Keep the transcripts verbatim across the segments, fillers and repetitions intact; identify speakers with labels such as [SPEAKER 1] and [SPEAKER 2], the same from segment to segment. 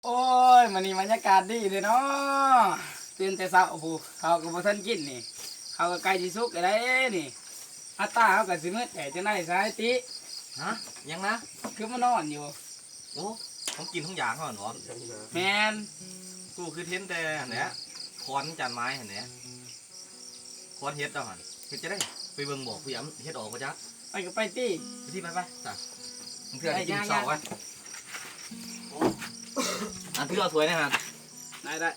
[SPEAKER 1] โอ้ยมันนี่บรรยากาศดีเลยเนาะตื่นแต่เช้าโอ้โหเขาก็บ่ทันกินนี่เขาก็ใกล้สิสุกแล้วนี่อัตตาเขาก็สิมืดแต่จะได้สายติ
[SPEAKER 2] ฮะยังนะ
[SPEAKER 1] คือมานอนอยู่
[SPEAKER 2] โอ้ผมกินทุกอย่างเขาเหรอ
[SPEAKER 1] แมน
[SPEAKER 2] กูคือเทนแต่เนี้ยคอนจานไม้เห็นเนี้ยคอนเฮ็ดเอาหันเฮ็ดจะได้ไปเบิ่งบอกพี่ย้ำเฮ็ดออกมาจ้ะ
[SPEAKER 1] ไปก็ไปตี
[SPEAKER 2] ไปที่ไปไปจ้ะมึงเพื่อนกินเสาร์วะอันที่เราสวยนะฮะ
[SPEAKER 1] ได้ได้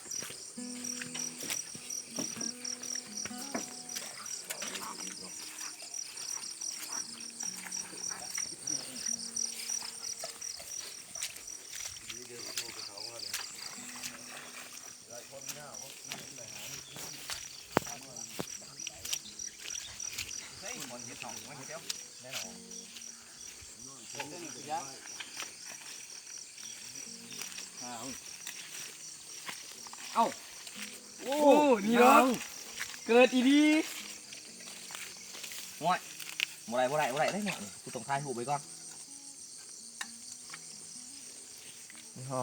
[SPEAKER 1] เอ้าโอ้นี่เนาะเกิดอีดี
[SPEAKER 2] ง่อยบ่ได้บ่ได้บ่ได้ได้หน่อยกูต้องทายหูไปก่อนฮ่า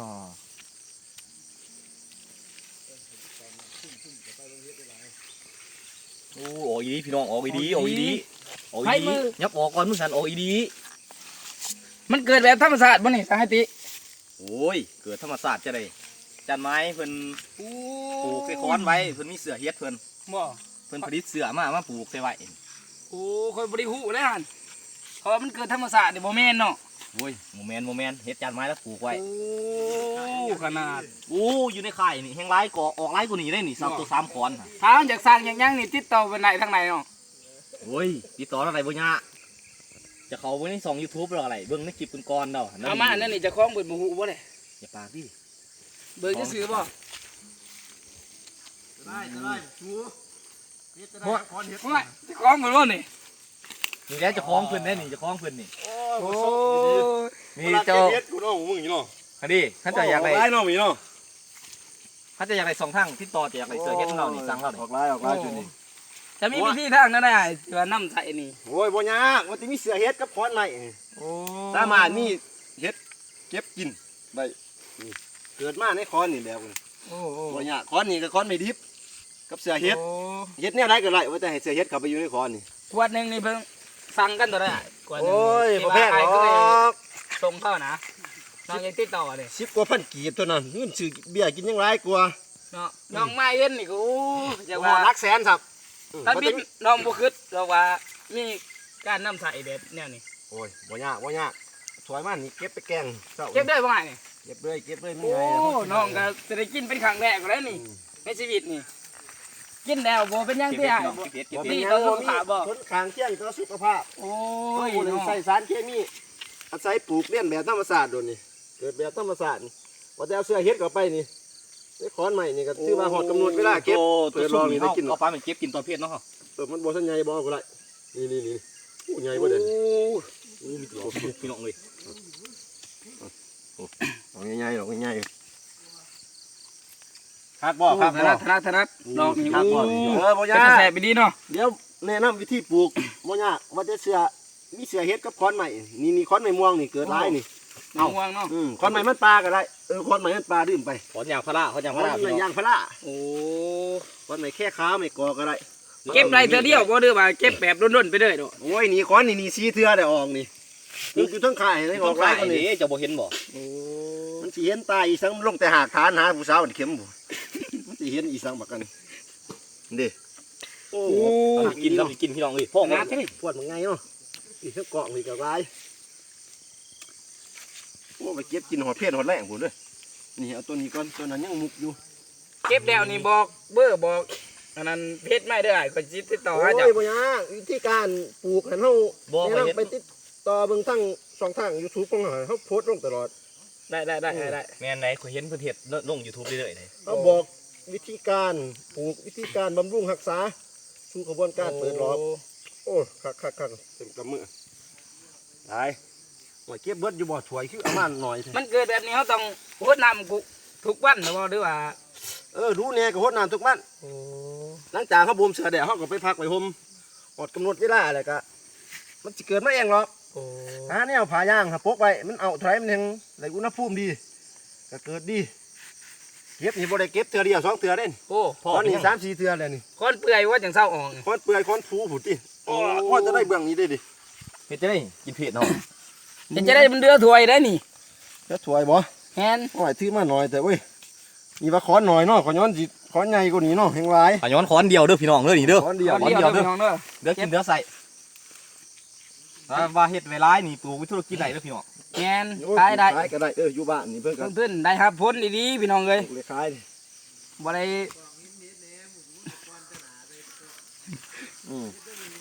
[SPEAKER 2] โอ้โอ้ยดีพี่น้องโอ้ยดีโอ้ยดีโอ้ยดียับออกก่อนมึงสันโอ้ยดี
[SPEAKER 1] มันเกิดแบบธรรมชาติบ่นี่สหติ
[SPEAKER 2] โอ้ยเกิดธรรมศาสตร์จะได้จันไม้เพิ่นปลูกใส่ค้อนไว้เพิ่นมีเสือเฮ็ดเพิ่น
[SPEAKER 1] บ่
[SPEAKER 2] เพิ่นผลิตเสือมามาปลูกใส่ไว้
[SPEAKER 1] โอ้คอยบริหูเลยฮันเพราะมันเกิดธรรมศาสตร์เดี๋ยวโมเมนเนาะ
[SPEAKER 2] โอ้ยโมเมนโมเมนเฮ็ดจันไม้แล้วปลูกไว้
[SPEAKER 1] โอ้ขนาด
[SPEAKER 2] โอ้อยู่ในไข่นี่แห้งไร้ก่อออกไร้กว่านี้ได้นี่สามตัวสามค้อน
[SPEAKER 1] ถ้าจากสร้างอย่างยังนี่ติดต่อไปไหนทางไหนเนาะ
[SPEAKER 2] โอ้ยติดต่ออะไรบ่ยากจะเขาไว้ในช่อง ยูทูบ หรืออะไรเบิ่งในคลิปก่อนๆเนาะ
[SPEAKER 1] เอามาอันนั้นนี่จะคล้องเบิดบ่ฮู้บ่ได้
[SPEAKER 2] อย่าปากดิ
[SPEAKER 1] เบิ่งจะซื้อบ่
[SPEAKER 2] ได้ได้ชูเฮ็ดจะได้ค้อนเฮ็ด
[SPEAKER 1] จะคล้องเบิดบ่นี่
[SPEAKER 2] นี่แล้วจะคล้องเพิ่นได้นี่จะคล้องเพิ่นนี่
[SPEAKER 1] โอ้
[SPEAKER 2] นี่เจ้า
[SPEAKER 3] เฮ็ดกูเนาะมึงนี่เนาะ
[SPEAKER 2] ฮะดิท่านจะอยากได้
[SPEAKER 3] ไล่เนาะมีเนาะ
[SPEAKER 2] ท่านจะอยากได้สองทางที่ต่อจะอยากได้เสือเฮ็ดของเรานี่สั่งเรา
[SPEAKER 3] ออกไล่ออกไล่จุดนี้
[SPEAKER 1] จะมีวิธีทางนั้นได้ที่ว่าน้ำใส่นี่
[SPEAKER 3] โอ้ยบ่ยากมันสิมีเสือเฮ็ดกับค้อนไม้โอ้สามารถมีเฮ็ดเก็บกินได้นี่เกิดมาในค้อนนี่แบบนี้โอ้บ่ยากค้อนนี่กับค้อนไม่ดิบกับเสือเฮ็ดเฮ็ดแนวใดก็ได้ว่าแต่ให้เสือเฮ็ดเข้าไปอยู่ในค้อนนี่
[SPEAKER 1] ขวดนึงนี่เพิ่งสั่งกันตัวได้
[SPEAKER 3] โอ้ยบ่แพงหรอก
[SPEAKER 1] ส่งเข้านะน้องยังติดต่อดิ
[SPEAKER 3] สิบกว่าพันกีบตัวนั้นเงินซื้อเบี้ยกินยังหลายกว่า
[SPEAKER 1] เนาะน้องไม้เย็นนี่กู
[SPEAKER 3] จะว่ารักแสนครับ
[SPEAKER 1] ถ้าบิดน้องบุคึดเราว่ามีการนำใส่เด็ดแนวนี้
[SPEAKER 3] โอ้ยบ่ยากบ่ยากสวยมากนี่เก็บไปแกง
[SPEAKER 1] เก็บได้บ่ไงนี่
[SPEAKER 3] เก็บเลยเก็บเลย
[SPEAKER 1] โอ้น้องก็จะได้กินเป็นครั้งแรกแล้วนี่ในชีวิตนี่กินแล้วบ่เป็นยังที่หายบ่
[SPEAKER 3] นี่ต่อสุขภาพบ่ทนขางเที่ยงต่อสุขภาพ
[SPEAKER 1] โอ้ย
[SPEAKER 3] ใส่สารเคมีอาศัยปลูกเลี้ยงแบบธรรมชาติโดนนี่เกิดแบบธรรมชาติว่าแต่เอาเสื้อเฮ็ดเข้าไปนี่ไอ้ค้อนใหม่นี่ก็ถือว่าหอดกำหนดเวลาเก็บ
[SPEAKER 2] เปิดรอนี่ได้กินเอาปลามันเก็บกินตอนเพชรเนาะ
[SPEAKER 3] เออมันบ่ทันใหญ่บ่ก็ได้นี่นี่นี่โอ้ใหญ่บ่เด่น
[SPEAKER 2] โอ้มีตัวพี่น้องเลย
[SPEAKER 3] โอ้ใหญ่ๆหรอกใหญ่คักบ่คัก
[SPEAKER 1] ถนัดถนัดถนัดดอกนี่คักบ่
[SPEAKER 3] เออบ่ยาก
[SPEAKER 1] แซ่บไปดีเนาะ
[SPEAKER 3] เดี๋ยวแนะนำวิธีปลูกบ่ยากว่าแต่เสื้อมีเสื้อเฮ็ดกับค้อนใหม่นี่นี่ค้อนใหม่ม่วงนี่เกิดหลายนี่
[SPEAKER 1] เอาม่วงเนาะ
[SPEAKER 3] อืมค้อนใหม่มันปลาก็ได้เออค้อนใหม่มันปลาดื่มไป
[SPEAKER 2] ค้อนยางพาราค้อนยางพารา
[SPEAKER 3] ค้อนยางพารา
[SPEAKER 1] โอ้
[SPEAKER 3] ค้อนใหม่แค่ขาไม่กอก็ได้
[SPEAKER 1] เก็บไรเธอเดียวบ่เด้อว่าเก็บแบบร่นๆไปเลยเนาะ
[SPEAKER 3] โอ้ยนี่ค้อนนี่นี่สีเทือได้ออกนี่นี่อยู่ทั้งข่ายได้ออกหลายคนนี่
[SPEAKER 2] จะบ่เห็นบ่
[SPEAKER 3] โอ้มันสิเห็นตาอีสังลงแต่หากฐานหาผู้สาวมันเข็มบ่มันสิเห็นอีสังบักกันเด้
[SPEAKER 2] โอ้กินแล้วกินพี่น้องเอ้ยพ่อมาเท่
[SPEAKER 3] ปวดมันไงเนาะอีกเกาะนี่ก็ร้ายโอ้ไปเก็บกินหอดเพชรหอดแรงผมด้วยนี่เอาตัวนี้ก่อนตัวนั้นยังมุกอยู่
[SPEAKER 1] เก็บแล้วนี่บอกเบอร์บอกอันนั้นเพชรไม่ได้ก็จิตติดต่อ
[SPEAKER 3] ให้เจ้าโอ้ยบ่ยากวิธีการปลูกหันเฮาเนี่ยไปติดต่อเบิ่งทั้งช่องทาง ยูทูบ ของเฮาเฮาโพสต์ลงตลอด
[SPEAKER 1] ได้ได้ได้ได้
[SPEAKER 2] แม่นไหนข่อยเห็นเพิ่นเฮ็ดลง ยูทูบ เรื่อยๆเลย
[SPEAKER 3] เฮาบอกวิธีการปลูกวิธีการบำรุงรักษาสู่กระบวนการเปิดรอบโอ้คักๆๆเต็มกำมือได้ว่าเก็บเบิดอยู่บ่ถวยคือเอามาหน่อย
[SPEAKER 1] มันเกิดแบบนี้เฮาต้องรดน้ำทุกวันบ่หรือว่า
[SPEAKER 3] เออรู้แน่ก็รดน้ำทุกวันหลังจากเขาบ่มเสือแดดเขาก็ไปพักไปห่มอดกำหนดเวลาอะไรก็มันจะเกิดมาเองหรอกหาแนวผ่ายางหาปกไว้มันเอาไถมันยังไหลอุณหภูมิดีก็เกิดดีเก็บนี่บ่ได้เก็บเทื่อเดียวสองเทื่อเด้น
[SPEAKER 1] โอ้
[SPEAKER 3] คอนนี่สามสี่เทื่อแล้วนี่
[SPEAKER 1] คนเปื่อยว่าจังเศร้าออก
[SPEAKER 3] คอนเปื่อยคอนฟูผุดติโอ้พอจะได้เบื้องนี้ได้ดิ
[SPEAKER 2] เฮ็ดจะได้กินเผ็ดเนาะ
[SPEAKER 1] เดี๋ยวจะได้มันเดือถวยได้นี่
[SPEAKER 3] จะสวยบ่
[SPEAKER 1] แฮน
[SPEAKER 3] โอ้ยถือมาหน่อยแต่เว้ยนี่ว่าคอนหน่อยเนาะขอย้อนสิคอนใหญ่กว่านี้เนาะแห่งหลาย
[SPEAKER 2] อ่ะย้อนค้อนเดียวเด้อพี่น้องเด้อนี่เด้อ
[SPEAKER 3] คอนเดียว
[SPEAKER 1] เดียวเด้อพี่น้องเด้อ
[SPEAKER 2] เด้อกินเด้อใส่ว่าเฮ็ดไว้ร้ายนี่ปลูกไว้ธุรกิจไหนเด้อพี่น้อง
[SPEAKER 1] แฮน
[SPEAKER 3] โอ้ย
[SPEAKER 1] ขายได้
[SPEAKER 3] ขายก็ได้เอออยู่บ้านนี่เพิ่นก็
[SPEAKER 1] เพื่อนๆได้ครับพ้นดีๆพี่น้องเลย
[SPEAKER 3] เลยขายดิ
[SPEAKER 1] บ่ได้
[SPEAKER 3] อืม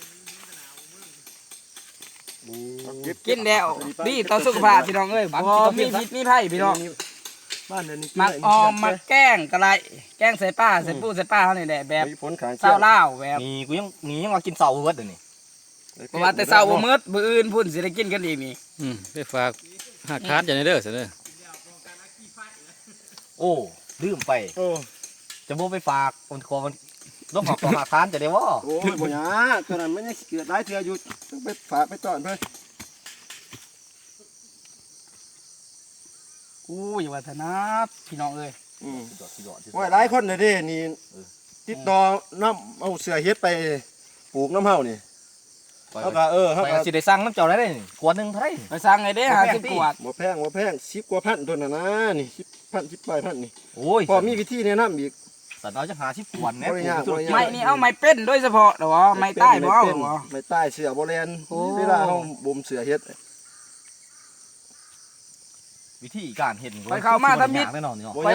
[SPEAKER 1] กินแล้วดีต่อสุขภาพพี่น้องเอ้ยบ่มีพิษมีภัยพี่น้อง
[SPEAKER 3] บ้านเดี๋ยวนี้
[SPEAKER 1] มักออมมักแกล้งกะไรแกล้งใส่ป้าใส่ปูใส่ป้าเขานี่แหละแบบ
[SPEAKER 3] มีผลขาย
[SPEAKER 1] เศร้าเล่าวแบบ
[SPEAKER 2] นี่กูยังนี่ยังมากินเสาเบิดเดี๋ยวนี้
[SPEAKER 1] เพราะว่าแต่เศร้าบ่มืดมื้ออื่นพุ่นสิได้กินกันอีกนี่
[SPEAKER 4] อืมไปฝากหักคาดอย่างนี้เด้อเสนอ
[SPEAKER 2] โอ้ลืมไป
[SPEAKER 3] โอ้
[SPEAKER 2] จะบ่ไปฝากคนคอมันต้องขอของหาทานจะได้บ่
[SPEAKER 3] โอ้ยบ่หยาตัวนั้นมันยังเกิดหลายเทื่ออยู่ต้องไปฝากไปต้อนเพิ่น
[SPEAKER 1] อู้อย่าว่าแต่นะพี่น้องเอ้ย
[SPEAKER 3] อืม
[SPEAKER 2] สุดยอดสุดยอดสุดยอด
[SPEAKER 3] โอ้ยหลายคนเลยเด้นี่ติดต่อน้ำเอาเสือเฮ็ดไปปลูกน้ำเฮานี่
[SPEAKER 2] ไป
[SPEAKER 3] เฮาก็เออเฮา
[SPEAKER 2] ไป
[SPEAKER 3] ก็
[SPEAKER 2] สิได้สั่งน้ำเจ้าได้เลยนี่ขวดหนึงเท่าไหร่
[SPEAKER 1] ไปสั่งไงเด้หาสิบกวด
[SPEAKER 3] บ่แพงบ่แพงสิบกว่าพันตัวน่ะนะนี่สิบพันสิบปลายพันนี่
[SPEAKER 2] โอ้ย
[SPEAKER 3] พอมีวิธีแนะนำอีก
[SPEAKER 2] สัตว์เราจะหาสิบขวดแน่
[SPEAKER 3] บ่ได้ยากบ่ได้ยาก
[SPEAKER 1] ไม้นี่เอาไม้เป็นโดยเฉพาะเหรอวะไม้ใต้บ่เอาเหรอวะ
[SPEAKER 3] ไม่ใต้เสือบ่แลน
[SPEAKER 1] โอ้
[SPEAKER 3] เวลาเฮาบ่มเสือเฮ็ด
[SPEAKER 2] วิธีการเห็น
[SPEAKER 1] ไปเข้ามาทำมิด
[SPEAKER 2] แน่นอนเนาะ
[SPEAKER 3] บ่